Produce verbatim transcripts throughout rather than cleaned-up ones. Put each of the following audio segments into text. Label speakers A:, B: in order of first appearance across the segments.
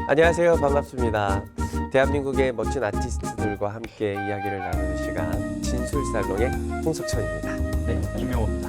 A: 안녕하세요. 반갑습니다. 대한민국의 멋진 아티스트들과 함께 이야기를 나누는 시간 진술살롱의 홍석천입니다. 네.
B: 김명호입니다.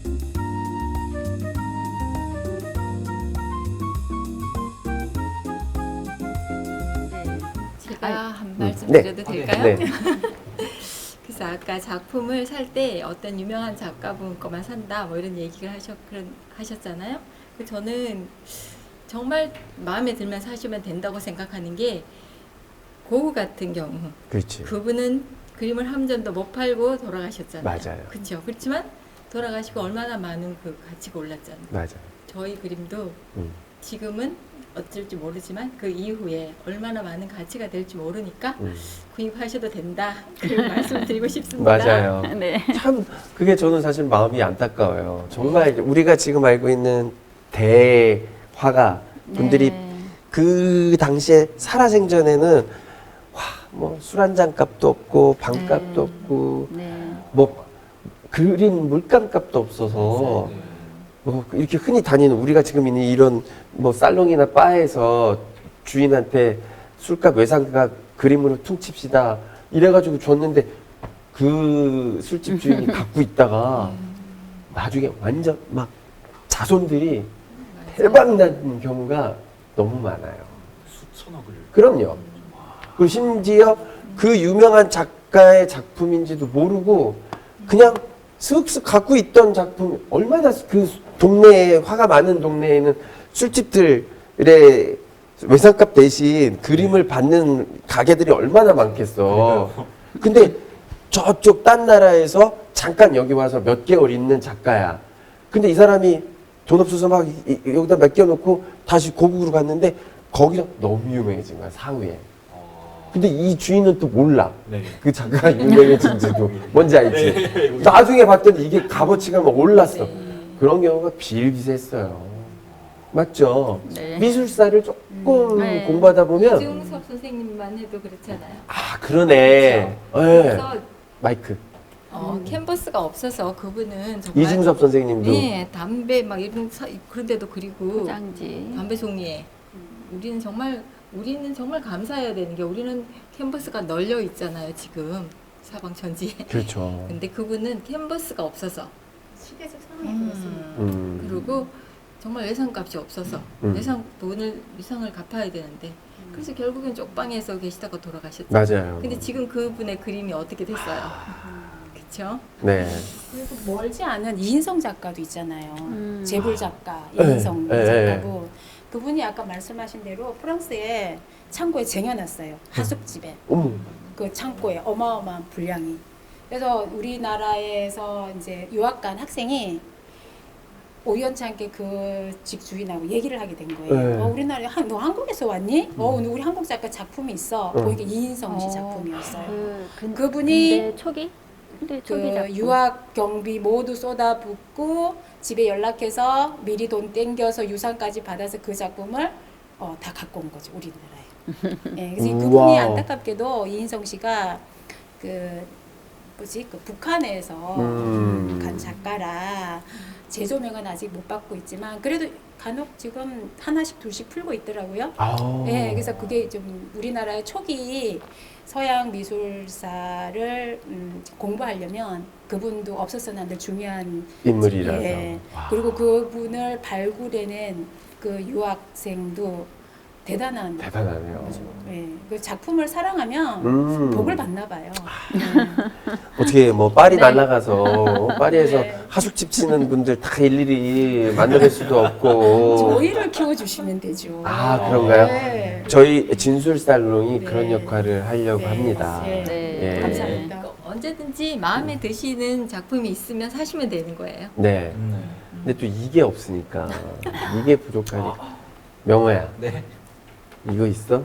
C: 제가 한 말씀
A: 네.
C: 드려도 될까요?
A: 네.
C: 그래서 아까 작품을 살 때 어떤 유명한 작가분 거만 산다 뭐 이런 얘기를 하셨, 그런, 하셨잖아요. 그 저는 정말 마음에 들면 사시면 된다고 생각하는 게 고흐 같은 경우
A: 그렇지.
C: 그분은 그림을 한 점도 못 팔고 돌아가셨잖아요.
A: 맞아요.
C: 그렇죠. 그렇지만 돌아가시고 얼마나 많은 그 가치가 올랐잖아요.
A: 맞아요.
C: 저희 그림도
A: 음.
C: 지금은 어쩔지 모르지만 그 이후에 얼마나 많은 가치가 될지 모르니까
A: 음.
C: 구입하셔도 된다. 그런 말씀을 드리고 싶습니다.
A: 맞아요.
D: 네.
A: 참 그게 저는 사실 마음이 안타까워요. 정말 우리가 지금 알고 있는 대화가 분들이
D: 네.
A: 그 당시에 살아생전에는 뭐 술 한 잔 값도 없고 방값도
D: 네.
A: 없고
D: 네.
A: 뭐 그림 물감 값도 없어서 뭐 이렇게 흔히 다니는 우리가 지금 있는 이런 뭐 살롱이나 바에서 주인한테 술값 외상값 그림으로 퉁칩시다 이래가지고 줬는데 그 술집 주인이 갖고 있다가 나중에 완전 막 자손들이 대박 난 경우가 너무 많아요.
B: 수천억을.
A: 그럼요. 그리고 심지어 그 유명한 작가의 작품인지도 모르고 그냥 슥슥 갖고 있던 작품, 얼마나 그 동네에 화가 많은 동네에는 술집들의 외상값 대신 그림을 받는 가게들이 얼마나 많겠어. 근데 저쪽 딴 나라에서 잠깐 여기 와서 몇 개월 있는 작가야. 근데 이 사람이 돈 없어서 막 이- 이- 여기다 맡겨놓고 다시 고국으로 갔는데 거기서 너무 유명해진 거야, 사후에. 근데 이 주인은 또 몰라.
B: 네.
A: 그 작가가 유명해진지도. 뭔지 알지?
B: 네.
A: 나중에 봤더니 이게 값어치가 막 올랐어.
C: 네.
A: 그런 경우가 비일비재했어요. 맞죠?
D: 네.
A: 미술사를 조금
D: 음, 네.
A: 공부하다 보면
C: 이중섭 선생님만 해도 그렇잖아요.
A: 아 그러네.
C: 그렇죠?
A: 예.
C: 그래서
A: 마이크.
C: 어, 캔버스가 없어서 그분은 정말
A: 이중섭 선생님도
C: 네, 담배 막 이런 사, 그런 데도 그리고
D: 포장지.
C: 담배 종이에 우리는 정말 우리는 정말 감사해야 되는 게 우리는 캔버스가 널려 있잖아요 지금 사방천지에.
A: 그렇죠.
C: 근데 그분은 캔버스가 없어서
E: 시대적 상황이
C: 음.
E: 그렇습니다.
A: 음.
C: 그리고 정말 예상값이 없어서
A: 음.
C: 예상 돈을 예상을 갚아야 되는데 그래서 결국엔 쪽방에서 계시다가 돌아가셨죠.
A: 맞아요.
C: 근데 지금 그분의 그림이 어떻게 됐어요? 그렇죠?
A: 네.
E: 그리고 멀지 않은 이인성 작가도 있잖아요.
D: 음.
E: 재벌 작가
A: 네,
E: 이인성
A: 네,
E: 작가고 그분이 아까 말씀하신 대로 프랑스에 창고에 쟁여놨어요. 하숙집에
A: 어머.
E: 그 창고에 어마어마한 분량이. 그래서 우리나라에서 이제 유학 간 학생이 우연찮게 그 집 주인하고 얘기를 하게 된 거예요.
A: 네.
E: 어, 우리나라에 한, 너 한국에서 왔니? 어, 오늘 우리 한국 작가 작품이 있어.
A: 음.
E: 보니까 이인성 씨
D: 어.
E: 작품이었어요.
D: 그, 근,
E: 그분이
D: 근데 초기? 근데
E: 그
D: 초기 작품.
E: 유학 경비 모두 쏟아붓고 집에 연락해서 미리 돈 땡겨서 유산까지 받아서 그 작품을 어, 다 갖고 온 거죠 우리나라에. 예, 그래서
A: 우와.
E: 그분이 안타깝게도 이인성 씨가 그 뭐지 그 북한에서
A: 음.
E: 간 작가라 재조명은 아직 못 받고 있지만 그래도 간혹 지금 하나씩 둘씩 풀고 있더라고요.
A: 아.
E: 예, 그래서 그게 좀 우리나라의 초기 서양 미술사를 음, 공부하려면 그분도 없어서는 안 될 중요한
A: 인물이라서.
E: 예.
A: 와.
E: 그리고 그분을 발굴해낸 그 유학생도 대단한
A: 대단하네요.
E: 거죠. 예. 그 작품을 사랑하면
A: 음.
E: 복을 받나 봐요.
A: 어떻게 뭐 파리
D: 네.
A: 날아가서 파리에서
E: 네.
A: 하숙집 치는 분들 다 일일이 만나뵐 수도 없고
E: 저희를 키워주시면 되죠.
A: 아, 그런가요?
E: 네.
A: 저희 진술살롱이
E: 네.
A: 그런 역할을 하려고
E: 네.
A: 합니다.
E: 네.
D: 네.
A: 예.
E: 감사합니다.
C: 그러니까 언제든지 마음에 드시는 작품이 있으면 사시면 되는 거예요.
A: 네.
B: 네.
A: 근데 또 이게 없으니까 이게 부족하니까 명호야
B: 네.
A: 이거 있어?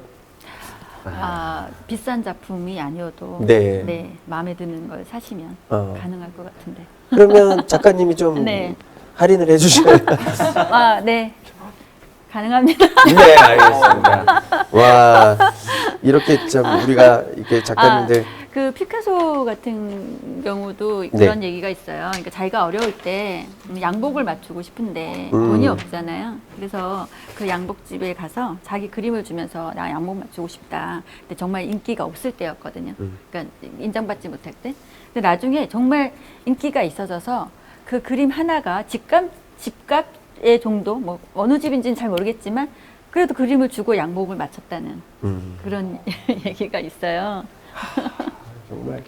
D: 아, 비싼 작품이 아니어도
A: 네.
D: 네, 마음에 드는 걸 사시면
A: 어.
D: 가능할 것 같은데.
A: 그러면 작가님이 좀
D: 네.
A: 할인을 해주셔야
D: 아, 네. 가능합니다.
A: 네, 알겠습니다. 와, 이렇게 참 우리가 이렇게 작가님들
D: 그 피카소 같은 경우도 그런 얘기가 있어요. 그러니까 자기가 어려울 때 양복을 맞추고 싶은데
A: 음.
D: 돈이 없잖아요. 그래서 그 양복집에 가서 자기 그림을 주면서 나 양복 맞추고 싶다. 근데 정말 인기가 없을 때였거든요.
A: 음.
D: 그러니까 인정받지 못할 때. 근데 나중에 정말 인기가 있어져서 그 그림 하나가 집값 집값의 정도, 뭐 어느 집인지는 잘 모르겠지만 그래도 그림을 주고 양복을 맞췄다는
A: 음.
D: 그런 얘기가 있어요.
A: 정말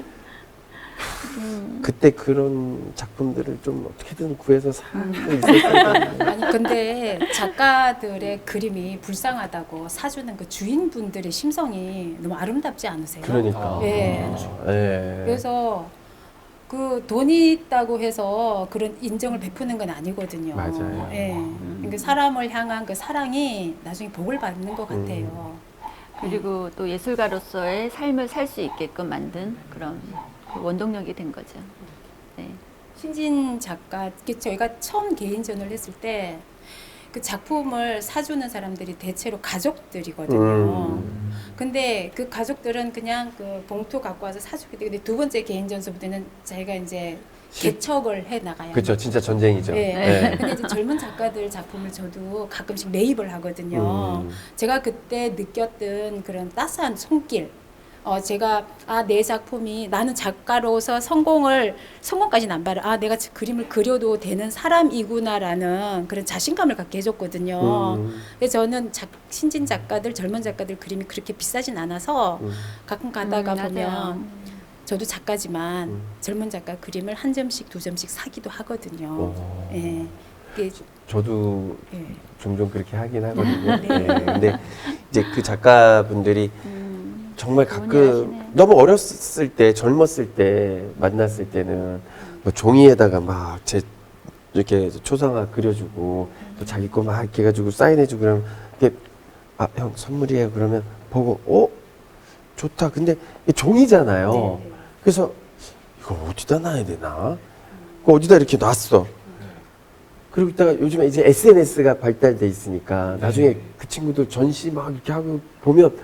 A: 그때 그런 작품들을 좀 어떻게든 구해서 살 수 있었을 텐데.
E: 아니 근데 작가들의 그림이 불쌍하다고 사주는 그 주인분들의 심성이 너무 아름답지 않으세요?
A: 그러니까.
E: 예.
A: 예.
E: 그래서 그 돈이 있다고 해서 그런 인정을 베푸는 건 아니거든요.
A: 맞아요.
E: 예. 그러니까 사람을 향한 그 사랑이 나중에 복을 받는 것 같아요.
D: 그리고 또 예술가로서의 삶을 살 수 있게끔 만든 그런 그 원동력이 된 거죠. 네.
E: 신진 작가, 그 저희가 처음 개인전을 했을 때 그 작품을 사주는 사람들이 대체로 가족들이거든요.
A: 음.
E: 근데 그 가족들은 그냥 그 봉투 갖고 와서 사주게 되고, 근데 두 번째 개인전서부터는 자기가 이제
A: 실-
E: 개척을 해 나가야
A: 그렇죠. 진짜 전쟁이죠.
E: 네.
A: 예.
E: 근데 이제 젊은 작가들 작품을 저도 가끔씩 매입을 하거든요.
A: 음.
E: 제가 그때 느꼈던 그런 따스한 손길. 어, 제가, 아, 내 작품이, 나는 작가로서 성공을, 성공까지는 안 봐요. 아, 내가 지- 그림을 그려도 되는 사람이구나라는 그런 자신감을 갖게 해줬거든요.
A: 음.
E: 그래서 저는 작, 신진 작가들, 젊은 작가들 그림이 그렇게 비싸진 않아서
A: 음.
E: 가끔 가다가
D: 음, 맞아요.
E: 보면 저도 작가지만
A: 음.
E: 젊은 작가 그림을 한 점씩, 두 점씩 사기도 하거든요.
A: 오.
E: 예. 이게,
A: 저도
E: 예.
A: 종종 그렇게 하긴 하거든요.
E: 네.
A: 예. 근데 이제 그 작가분들이
D: 음,
A: 정말
D: 좋은
A: 가끔
D: 일 하시네.
A: 너무 어렸을 때, 젊었을 때 만났을 때는 뭐 종이에다가 막 제 이렇게 초상화 그려주고 또 자기 거 막 이렇게 해가지고 사인해주고 그러면 이게 아, 형 선물이에요. 그러면 보고 어 좋다. 근데 이게 종이잖아요.
E: 네.
A: 그래서 이거 어디다 놔야 되나? 그 어디다 이렇게 놨어. 그리고 있다가 요즘에 이제 에스엔에스가 발달돼 있으니까 나중에 그 친구들 전시 막 이렇게 하고 보면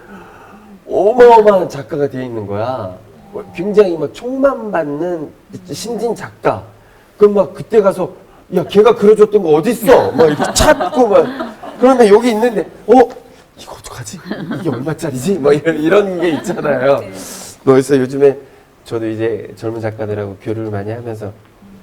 A: 어마어마한 작가가 되어 있는 거야. 굉장히 막 총만 받는 신진 작가. 그럼 막 그때 가서 야 걔가 그려줬던 거 어딨어? 막 이렇게 찾고 막 그러면 여기 있는데 어 이거 어떡하지? 이게 얼마짜리지? 뭐 이런 이런 게 있잖아요.
E: 네.
A: 그래서 요즘에 저도 이제 젊은 작가들하고 교류를 많이 하면서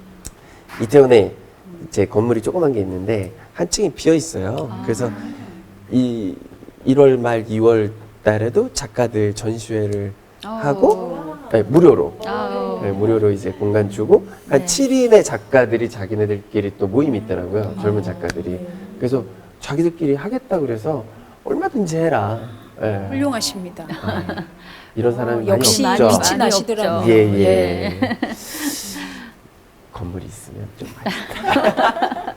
A: 이태원에 제 건물이 조그만 게 있는데 한 층이 비어 있어요. 그래서 이 일월 말 이월 달에도 작가들 전시회를 하고 네, 무료로
D: 아우.
A: 네, 무료로 이제 공간 주고 한
D: 네.
A: 칠 인의 작가들이 자기네들끼리 또 모임이 있더라고요. 젊은 작가들이. 그래서 자기들끼리 하겠다 그래서 얼마든지 해라. 예.
E: 훌륭하십니다.
A: 아, 이런 사람이 많이
E: 역시
A: 없죠.
E: 빛이
D: 많이
E: 나시더라고요.
D: 없죠.
A: 예, 예.
D: 예.
A: 건물이 있으면 좀 많이.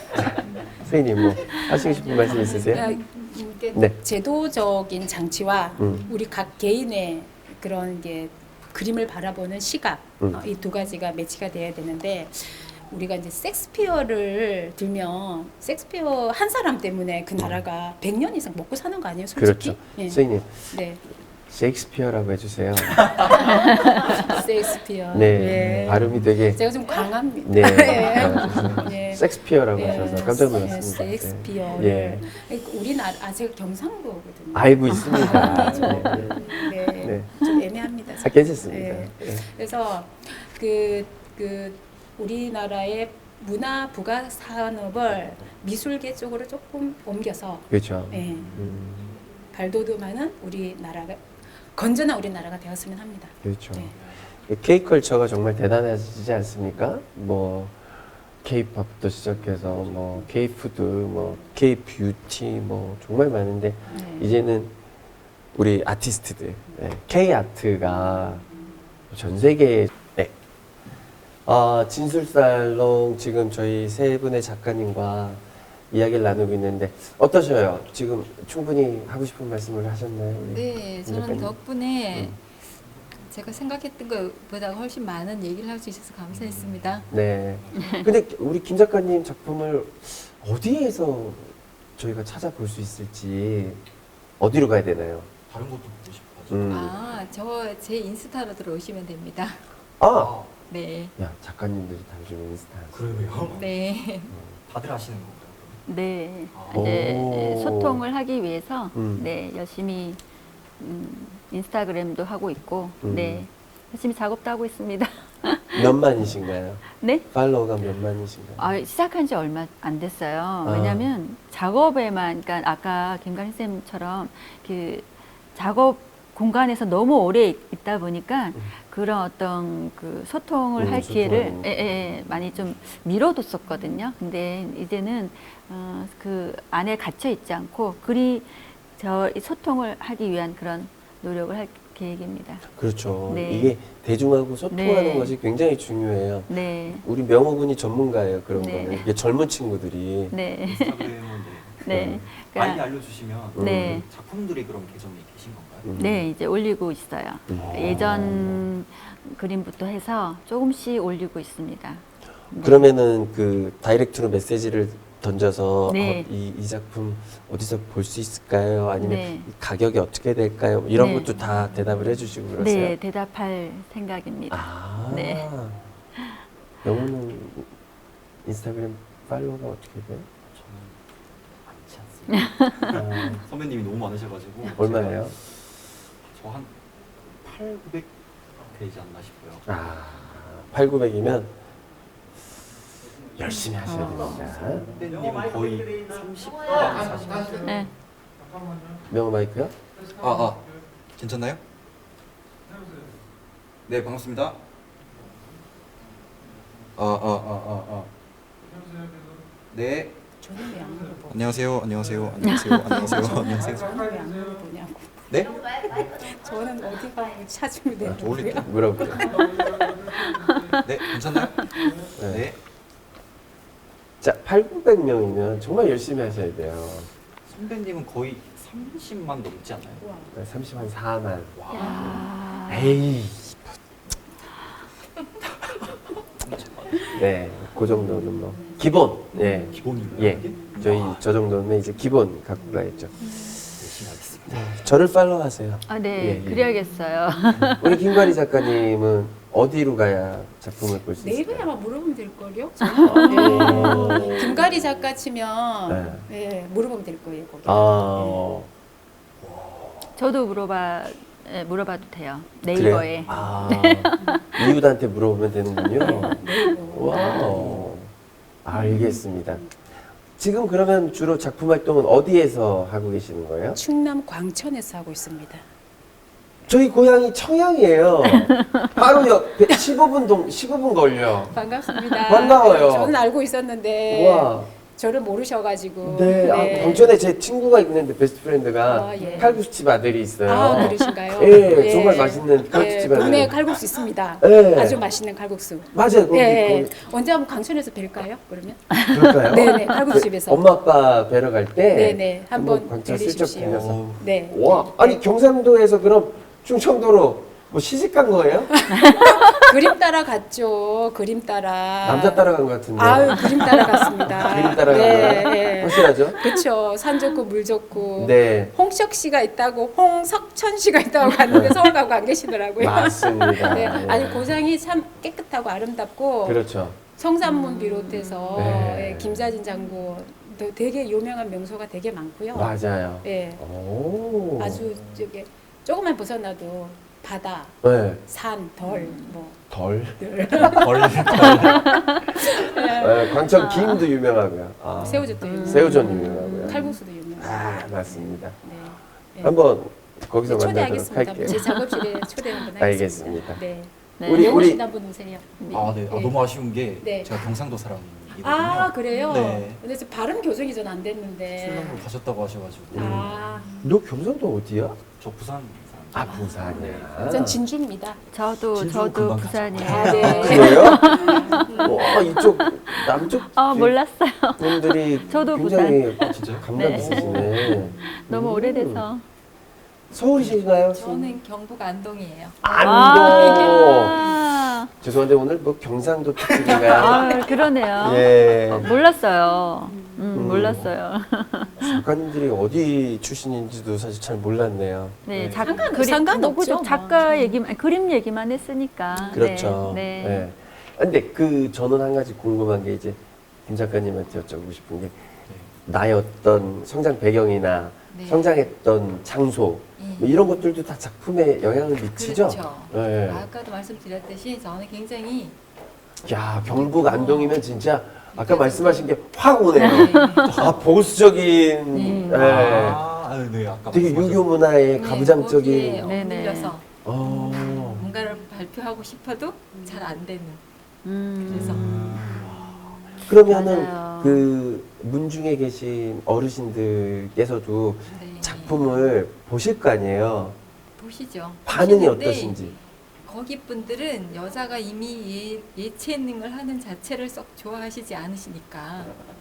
A: 선생님 뭐 하시고 싶은 말씀 있으세요?
E: 아, 이게
A: 네.
E: 제도적인 장치와
A: 음.
E: 우리 각 개인의 그런 게 그림을 바라보는 시각
A: 음.
E: 어, 이 두 가지가 매치가 돼야 되는데 우리가 이제 섹스피어를 들면 섹스피어 한 사람 때문에 그 나라가 백 년 이상 먹고 사는 거 아니에요, 솔직히?
A: 그렇죠.
E: 예.
A: 선생님
E: 네,
A: 셰익스피어라고 해주세요.
E: 섹스피어.
A: 네,
E: 예.
A: 발음이 되게
E: 제가 좀 강합니다.
A: 네,
E: 예.
A: 아,
E: 예.
A: 섹스피어라고
E: 예,
A: 하셔서 깜짝 놀랐습니다.
E: 섹스피어를
A: 예.
E: 우리나라 아 제가 경상도거든요.
A: 알고 있습니다.
E: 아,
A: 네.
E: 네,
A: 네.
E: 좀 애매합니다.
A: 아, 괜찮습니다.
E: 네.
A: 네.
E: 그래서 그, 그 우리나라의 문화 부가 산업을 미술계 쪽으로 조금 옮겨서
A: 그렇죠.
E: 예,
A: 음,
E: 발돋움하는 우리나라가 건전한 우리나라가 되었으면 합니다.
A: 그렇죠.
E: 네.
A: K컬처가 정말 대단하지 않습니까? 뭐 K팝부터 시작해서 뭐 K푸드, 뭐 K뷰티, 뭐 정말 많은데
E: 네.
A: 이제는 우리 아티스트들, 네, K아트가 전 세계에 네. 아, 진술살롱 지금 저희 세 분의 작가님과 이야기를 나누고 있는데 어떠셔요? 지금 충분히 하고 싶은 말씀을 하셨나요? 우리
C: 네, 저는
A: 작가님?
C: 덕분에
A: 음.
C: 제가 생각했던 것보다 훨씬 많은 얘기를 할 수 있어서 감사했습니다.
A: 네. 근데 우리 김 작가님 작품을 어디에서 저희가 찾아볼 수 있을지 어디로 가야 되나요?
B: 다른 것도 보고 싶어가지고.
A: 음.
C: 아, 저 제 인스타로 들어오시면 됩니다.
A: 아,
C: 네.
A: 야 작가님들이 다 요즘 인스타.
B: 그래요?
C: 네.
B: 다들 하시는 건가요?
D: 네,
B: 아.
D: 이제
A: 오.
D: 소통을 하기 위해서
A: 음.
D: 네 열심히 음, 인스타그램도 하고 있고
A: 음.
D: 네 열심히 작업도 하고 있습니다.
A: 몇만이신가요?
D: 네?
A: 팔로워가 몇만이신가요?
D: 아, 시작한 지 얼마 안 됐어요. 왜냐하면 작업에만, 그러니까 아까 김가린 쌤처럼 그 작업 공간에서 너무 오래 있- 있다 보니까 그런 어떤 그 소통을
A: 음,
D: 할 기회를
A: 소통하는
D: 예, 예, 많이 좀 미뤄뒀었거든요. 근데 이제는 어, 그 안에 갇혀 있지 않고 그리 저이 소통을 하기 위한 그런 노력을 할 계획입니다.
A: 그렇죠.
D: 네.
A: 이게 대중하고 소통하는
D: 네.
A: 것이 굉장히 중요해요.
D: 네,
A: 우리 명호군이 전문가예요. 그런
D: 네.
A: 거는. 이게 젊은 친구들이.
D: 네,
B: 인스타그램은 네.
D: 네,
B: 많이
D: 그러니까,
B: 알려주시면
D: 네.
B: 작품들이 그럼 계정에 계신 건가요?
A: 음.
D: 네, 이제 올리고 있어요.
A: 음.
D: 예전 그림부터 해서 조금씩 올리고 있습니다. 네.
A: 그러면은 그 다이렉트로 메시지를 던져서
D: 네.
A: 어, 이, 이 작품 어디서 볼 수 있을까요? 아니면
D: 네.
A: 가격이 어떻게 될까요? 이런
D: 네.
A: 것도 다 대답을 해주시고 그러세요?
D: 네, 대답할 생각입니다.
A: 아,
D: 네.
A: 영호는 인스타그램 팔로워가 어떻게 돼요?
B: 저는 많지 않습니다.
A: 아,
B: 선배님이 너무 많으셔가지고
A: 얼마예요?
B: 저한 팔, 구백 되지 않나 싶어요.
A: 아, 팔구백이면 열심히 하셔야
D: 어.
A: 됩니다.
B: 선배님은 거의 삼십만, 사십만.
D: 네.
A: 명호 마이크요?
B: 아, 아, 괜찮나요? 네, 반갑습니다. 아, 아, 아, 아, 아. 네.
E: 저는 왜 안 물어보?
B: 안녕하세요. 안녕하세요. 안녕하세요. 안녕하세요. 안녕하세요.
E: 저는 왜 안 물어보냐고.
B: 네?
E: 저는 어디 가고 찾으면
B: 아, 저
E: 되는
B: 올릴게요.
A: 물어볼게요.
B: 네, 괜찮나요?
A: 네.
B: 네.
A: 자, 팔구백 명이면 정말 열심히 하셔야 돼요.
B: 선배님은 거의 삼십만 넘지 않나요?
A: 삼십만 사만.
D: 야.
A: 에이. 네, 그 정도는 뭐 기본. 예,
B: 기본인가요?
A: 예.
B: 이게?
A: 저희
B: 와,
A: 저 정도는 이제 기본 갖고 가야죠.
B: 열심히 하겠습니다.
A: 저를 팔로우하세요.
D: 아, 네,
A: 예, 예.
D: 그래야겠어요.
A: 우리 김관희 작가님은 어디로 가야 작품을 볼 수
E: 네이버에
A: 있을까요?
E: 아마 물어보면 될걸요?
A: 오.
E: 네. 김가리 작가 치면 네. 물어보면 될 거예요. 거기.
A: 아,
D: 저도 물어봐 예, 물어봐도 돼요.
A: 그래요?
D: 네이버에.
A: 아, 이웃한테 물어보면 되는군요.
E: 네이버.
A: 와우. 알겠습니다. 지금 그러면 주로 작품 활동은 어디에서 하고 계시는 거예요?
E: 충남 광천에서 하고 있습니다.
A: 저희 고향이 청양이에요. 바로 옆에 십오 분 동, 십오 분 걸려.
E: 반갑습니다.
A: 반가워요.
E: 저는 알고 있었는데
A: 와.
E: 저를 모르셔가지고.
A: 네, 아, 광천에 제 친구가 있는데 베스트 프렌드가
E: 아, 예.
A: 칼국수집 아들이 있어요.
E: 아, 그러신가요?
A: 예, 정말 맛있는 칼국수집
E: 예,
A: 아들.
E: 동네에 칼국수 있습니다.
A: 예.
E: 아주 맛있는 칼국수.
A: 맞아요. 거기,
E: 예,
A: 거기
E: 언제 한번 광천에서 뵐까요? 그러면?
A: 그럴까요?
E: 네네, 칼국수집에서.
A: 그 엄마 아빠 뵈러 갈 때
E: 네네, 한번
A: 광천 슬쩍
E: 데려주십시오.
A: 들려서.
E: 네.
A: 와, 아니 경상도에서 그럼 충청도로 뭐 시집 간 거예요?
E: 그림 따라 갔죠. 그림 따라.
A: 남자 따라간 것 같은데.
E: 아유, 그림 따라 갔습니다.
A: 그림 따라간
E: 네,
A: 거예요?
E: 네.
A: 확실하죠?
E: 그쵸. 산 좋고 물 좋고.
A: 네.
E: 홍석 씨가 있다고, 홍석천 씨가 있다고 갔는데 서울 가고 안 계시더라고요.
A: 맞습니다.
E: 네.
A: 예.
E: 아니 고장이 참 깨끗하고 아름답고
A: 그렇죠.
E: 성산문 비롯해서
A: 네.
E: 예, 김자진 장군 또 되게 유명한 명소가 되게 많고요.
A: 맞아요.
E: 예.
A: 오.
E: 아주 저게 조금만 벗어나도 바다,
A: 네.
E: 산, 덜, 뭐
A: 덜.
B: 걸, 걸.
A: 네, 광천 김도 유명하고요. 아,
E: 새우젓도 유명,
A: 새우젓 유명하고요.
E: 칼국수도 유명.
A: 아, 맞습니다.
E: 네. 네.
A: 한번 거기서
E: 네,
A: 만나도록
E: 초대하겠습니다.
A: 할게요.
E: 제 작업실에 초대 한번 하겠습니다.
A: 알겠습니다.
E: 네.
D: 네.
A: 우리-
E: 영호 씨도 한번 오세요.
B: 아, 네. 아,
E: 네.
B: 너무 아쉬운 게
E: 네.
B: 제가 경상도 사람이거든요.
E: 아 그래요?
B: 네.
E: 근데 지금 발음 교정이 전 안 됐는데.
B: 출렁으로 가셨다고 하셔가지고.
E: 아,
A: 너 경상도 어디야?
B: 저 부산
A: 아,
B: 사람.
A: 부산이야.
E: 전 진주입니다.
D: 저도
B: 진주
D: 저도
B: 금방
D: 부산이에요.
E: 아, 네.
A: 그래요? 와, 이쪽 남쪽
D: 아, 몰랐어요.
A: 분들이
D: 저도
A: 굉장히
B: 아, 진짜요?
A: 감각
D: 네.
A: 있으시네.
D: 너무
A: 음.
D: 오래돼서.
A: 서울이신가요?
C: 저는 경북 안동이에요.
A: 안동.
D: 아,
A: 죄송한데 오늘 뭐 경상도 특집인가요?
D: 아, 그러네요.
A: 예.
D: 어, 몰랐어요. 음,
A: 음.
D: 몰랐어요.
A: 작가님들이 어디 출신인지도 사실 잘 몰랐네요.
D: 네,
A: 네.
D: 작,
E: 상관-
D: 그림,
E: 상관없죠,
D: 뭐, 그죠.
E: 뭐.
D: 작가 얘기만, 그림 얘기만 했으니까.
A: 그렇죠.
D: 네.
A: 네.
D: 네.
A: 근데 그 저는 한 가지 궁금한 게 이제 김 작가님한테 여쭤보고 싶은 게 나의 어떤 성장 배경이나
C: 네.
A: 성장했던 장소
C: 예.
A: 뭐 이런 것들도 다 작품에 영향을 미치죠.
C: 그렇죠.
A: 네.
C: 아까도 말씀드렸듯이 저는 굉장히
A: 야 경북 안동이면 진짜 아까 말씀하신 게 확 오네요.
C: 네.
A: 아 보수적인,
C: 네.
A: 예.
B: 아, 아, 네, 아까
A: 되게
B: 말씀하셨-
A: 유교 문화의
C: 네, 거기에
A: 가부장적인.
D: 네네.
C: 엇밀려서
A: 어.
C: 뭔가를 발표하고 싶어도 잘 안 되는.
D: 음.
C: 그래서
A: 그러면은
D: 맞아요.
A: 그 문중에 계신 어르신들께서도
C: 네.
A: 작품을 보실 거 아니에요.
C: 보시죠.
A: 반응이
C: 보시는데
A: 어떠신지.
C: 거기 분들은 여자가 이미 예, 예체능을 하는 자체를 썩 좋아하시지 않으시니까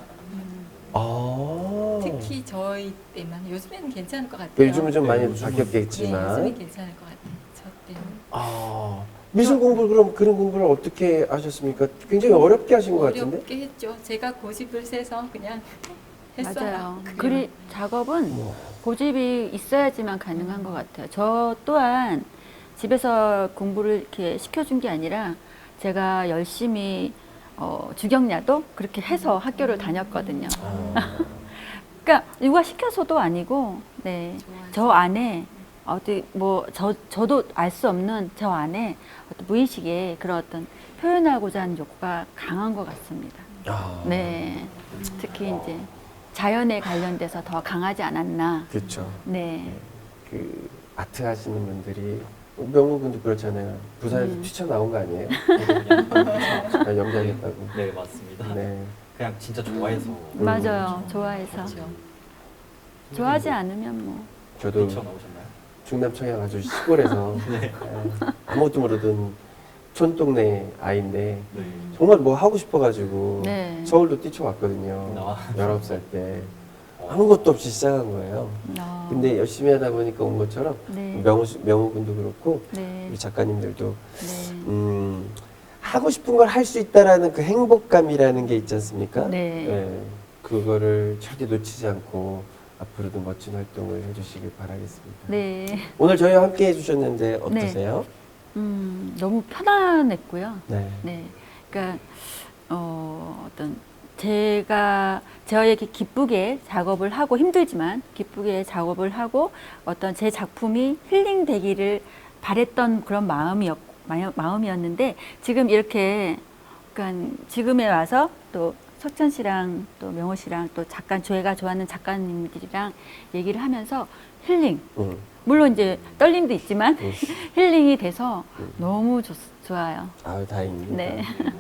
A: 아.
C: 특히 저희 때만 요즘에는 괜찮을 것 같아요.
A: 요즘은 좀 많이
B: 네, 요즘은-
C: 네,
A: 바뀌었겠지만.
C: 요즘은 괜찮을 것 같아요. 저 때는.
A: 아. 미술 공부 그럼 그런 공부를 어떻게 하셨습니까? 굉장히 어렵게 하신 것 같은데.
C: 어렵게 했죠. 제가 고집을 세서 그냥 했어요.
D: 맞아요.
C: 그냥.
D: 그리 작업은
A: 뭐.
D: 고집이 있어야지만 가능한 것 같아요. 저 또한 집에서 공부를 이렇게 시켜준 게 아니라 제가 열심히 어, 주경야도 그렇게 해서 학교를 다녔거든요.
A: 아.
D: 그러니까 누가 시켜서도 아니고, 네,
C: 좋아하죠.
D: 저 안에 어디 뭐 저 저도 알 수 없는 저 안에 어떤 무의식에 그런 어떤 표현하고자 하는 욕구가 강한 것 같습니다.
A: 아.
D: 네, 특히 이제 자연에 관련돼서 더 강하지 않았나.
A: 그렇죠.
D: 네,
A: 그 아트 하시는 분들이 명호 군도 그렇잖아요. 부산에서
D: 음.
A: 뛰쳐나온 거 아니에요?
B: 그냥-
A: 아, 연기하겠다고.
B: 네, 맞습니다.
A: 네.
B: 그냥 진짜 좋아해서
A: 음.
D: 맞아요. 좋아해서
C: 그렇죠.
D: 좋아하지 않으면 뭐.
A: 저도
B: 뛰쳐나오셨나요?
A: 충남 청양 아주 시골에서
B: 네.
A: 에, 아무것도 모르던 촌동네 아이인데
B: 네.
A: 정말 뭐 하고 싶어가지고
D: 네.
A: 서울도 뛰쳐왔거든요.
B: 아.
A: 열아홉 살 때.
B: 어.
A: 아무것도 없이 시작한 거예요.
D: 어,
A: 근데 열심히 하다 보니까 온 것처럼
D: 네,
A: 명호, 씨- 명호 군도 그렇고
D: 네,
A: 우리 작가님들도
D: 네,
A: 음, 하고 싶은 걸 할 수 있다라는 그 행복감이라는 게 있지 않습니까?
D: 네.
A: 예, 그거를 절대 놓치지 않고 앞으로도 멋진 활동을 해주시길 바라겠습니다.
D: 네.
A: 오늘 저희와 함께 해주셨는데 어떠세요?
D: 음, 너무 편안했고요.
A: 네.
D: 네, 그러니까 어, 어떤 제가 저에게 기쁘게 작업을 하고 힘들지만 기쁘게 작업을 하고 어떤 제 작품이 힐링되기를 바랬던 그런 마음이었 마요- 마음이었는데 지금 이렇게 그러니까 지금에 와서 또 석천 씨랑 또 명호 씨랑 또 작가 저희가 좋아하는 작가님들이랑 얘기를 하면서 힐링
A: 음,
D: 물론 이제 떨림도 있지만
A: 음.
D: 힐링이 돼서 너무 좋, 좋아요.
A: 아유 다행입니다.
D: 네.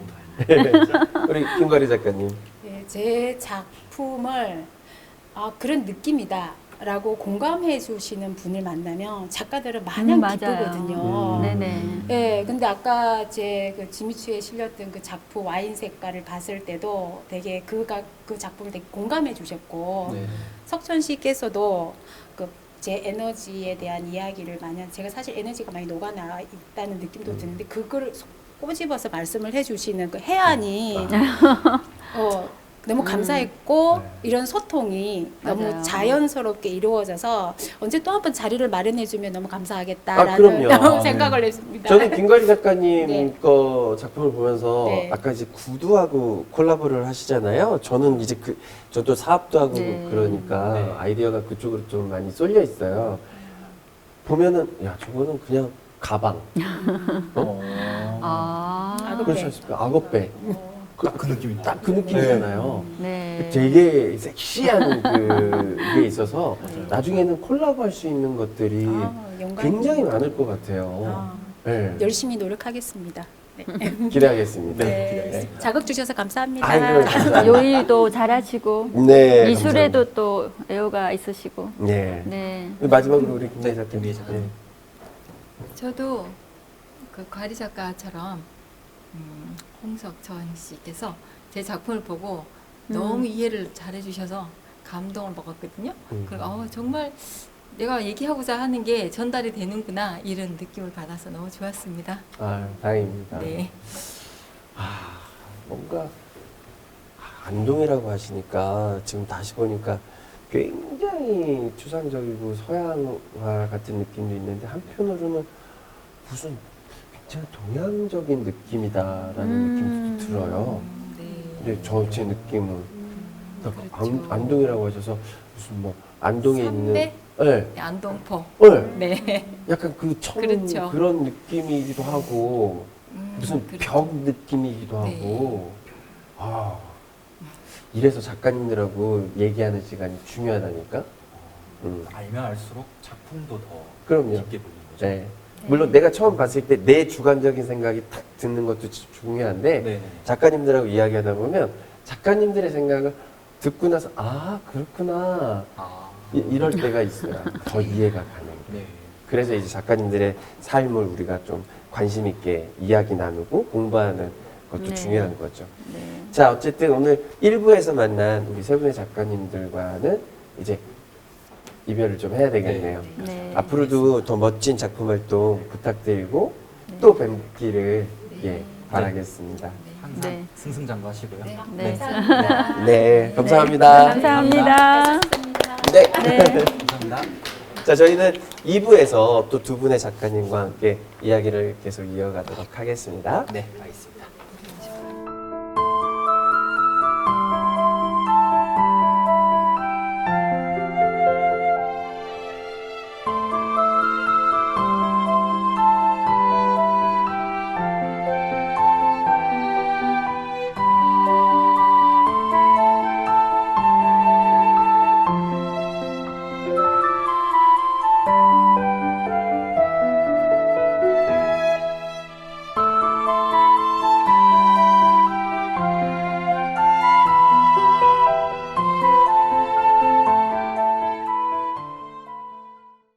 A: 우리 김가리 작가님.
E: 네, 제 작품을 아, 그런 느낌이다라고 공감해 주시는 분을 만나면 작가들은 마냥
D: 음, 맞아요.
E: 기쁘거든요.
A: 음.
D: 네네.
E: 네, 근데 아까 제 그 지미추에 실렸던 그 작품 와인 색깔을 봤을 때도 되게 그가 그 작품을 되게 공감해 주셨고
A: 네.
E: 석천 씨께서도 그 제 에너지에 대한 이야기를 마냥 제가 사실 에너지가 많이 녹아나 있다는 느낌도
A: 음.
E: 드는데 그걸 속- 꼬집어서 말씀을 해주시는 그 해안이
A: 아.
E: 어, 너무 감사했고
B: 네.
E: 이런 소통이 너무
D: 맞아요.
E: 자연스럽게 이루어져서 언제 또 한 번 자리를 마련해주면 너무
A: 아,
E: 감사하겠다라는
A: 그럼요. 아,
E: 생각을 했습니다.
A: 저는 김가리 작가님
E: 네.
A: 거 작품을 보면서
E: 네.
A: 아까 이제 구두하고 콜라보를 하시잖아요. 저는 이제 그 저도 사업도 하고
D: 네.
A: 그러니까
B: 네.
A: 아이디어가 그쪽으로 좀 많이 쏠려 있어요. 보면은 야 저거는 그냥 가방.
B: 어.
D: 아,
E: 악어배.
A: 그렇지 않습니까? 악어배.
B: 딱그 느낌이
A: 딱 그 느낌이잖아요.
D: 네.
A: 되게 섹시한 그게 있어서 나중에는 콜라보할 수 있는 것들이
E: 아, 영광입니다.
A: 굉장히 많을 것 같아요.
E: 아,
A: 네.
E: 열심히 노력하겠습니다. 네.
A: 기대하겠습니다.
E: 네. 자극 주셔서 감사합니다.
A: 아이고, 감사합니다.
D: 요일도 잘하시고
A: 네.
D: 미술에도 또 애호가 있으시고.
A: 감사합니다. 네.
D: 네.
A: 마지막으로 우리 김대 작가님.
B: 김대 작가님.
A: 네.
C: 저도 그 과리 작가처럼 음, 홍석천 씨께서 제 작품을 보고
D: 음.
C: 너무 이해를 잘해주셔서 감동을 먹었거든요.
A: 음.
C: 그리고 어, 정말 내가 얘기하고자 하는 게 전달이 되는구나 이런 느낌을 받아서 너무 좋았습니다.
A: 아, 다행입니다.
C: 네.
A: 아, 뭔가 안동이라고 하시니까 지금 다시 보니까 굉장히 추상적이고 서양화 같은 느낌도 있는데 한편으로는 무슨 굉장히 동양적인 느낌이다라는
D: 음.
A: 느낌도 들어요.
C: 네.
A: 근데 저 제 느낌은 딱
C: 그렇죠.
A: 안, 안동이라고 하셔서 무슨 뭐 안동에 있는
C: 삼대?
A: 네,
C: 네, 안동포.
A: 네.
C: 네.
A: 약간 그 청
C: 그렇죠.
A: 그런 느낌이기도 하고
C: 음,
A: 무슨
C: 그렇죠.
A: 벽 느낌이기도
C: 네.
A: 하고 아 이래서 작가님들하고 얘기하는 시간이 중요하다니까. 음.
B: 알면 알수록 작품도 더
A: 그럼요.
B: 깊게 보이는 거죠.
A: 네. 물론 내가 처음 봤을 때 내 주관적인 생각이 탁 듣는 것도 주- 중요한데
B: 네.
A: 작가님들하고 이야기하다 보면 작가님들의 생각을 듣고 나서 아 그렇구나
B: 아,
A: 이, 이럴 때가 있어요. 더 이해가 가는.
B: 네.
A: 그래서 이제 작가님들의 삶을 우리가 좀 관심 있게 이야기 나누고 공부하는 것도
D: 네.
A: 중요한 거죠.
D: 네.
A: 자, 어쨌든 오늘 일 부에서 만난 우리 세 분의 작가님들과는 이제 이별을 좀 해야 되겠네요.
D: 네.
A: 앞으로도 더 멋진 작품 활동 부탁드리고
D: 네.
A: 또 뵙기를
C: 네.
A: 예, 바라겠습니다.
B: 항상
D: 네.
B: 승승장구하시고요.
C: 네.
D: 네.
C: 감사합니다.
A: 네, 감사합니다.
D: 감사합니다.
A: 네.
D: 네.
B: 감사합니다.
A: 자, 저희는 이 부에서 또 두 분의 작가님과 함께 이야기를 계속 이어가도록 하겠습니다.
B: 네, 알겠습니다.